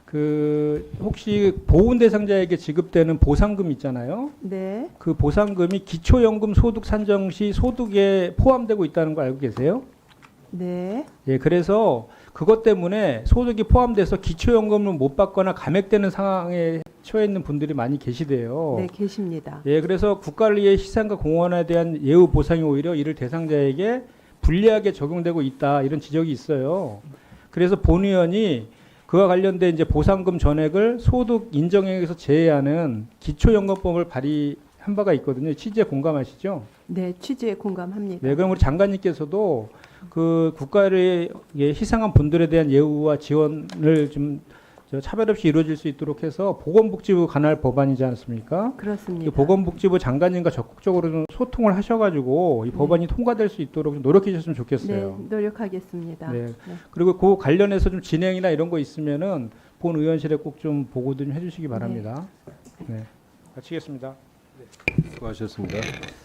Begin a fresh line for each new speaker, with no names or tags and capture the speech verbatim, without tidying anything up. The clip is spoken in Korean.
그 혹시 보훈 대상자에게 지급되는 보상금 있잖아요.
네.
그 보상금이 기초연금 소득 산정 시 소득에 포함되고 있다는 거 알고 계세요?
네.
예, 그래서 그것 때문에 소득이 포함돼서 기초연금을 못 받거나 감액되는 상황에 처해 있는 분들이 많이 계시대요.
네, 계십니다.
예, 그래서 국가의 시상과 공헌에 대한 예우 보상이 오히려 이를 대상자에게 불리하게 적용되고 있다 이런 지적이 있어요. 그래서 본 의원이 그와 관련된 이제 보상금 전액을 소득 인정액에서 제외하는 기초연금법을 발의한 바가 있거든요. 취지에 공감하시죠?
네, 취지에 공감합니다.
네, 그럼 우리 장관님께서도 그 국가를 희생한 분들에 대한 예우와 지원을 좀 차별 없이 이루어질 수 있도록 해서 보건복지부 관할 법안이지 않습니까?
그렇습니다.
이 보건복지부 장관님과 적극적으로 좀 소통을 하셔가지고 이
네.
법안이 통과될 수 있도록 좀 노력해 주셨으면 좋겠어요.
네, 노력하겠습니다.
네.
네.
그리고 그 관련해서 좀 진행이나 이런 거 있으면은 본 의원실에 꼭 좀 보고 좀 해주시기 바랍니다. 네. 마치겠습니다.
수고하셨습니다.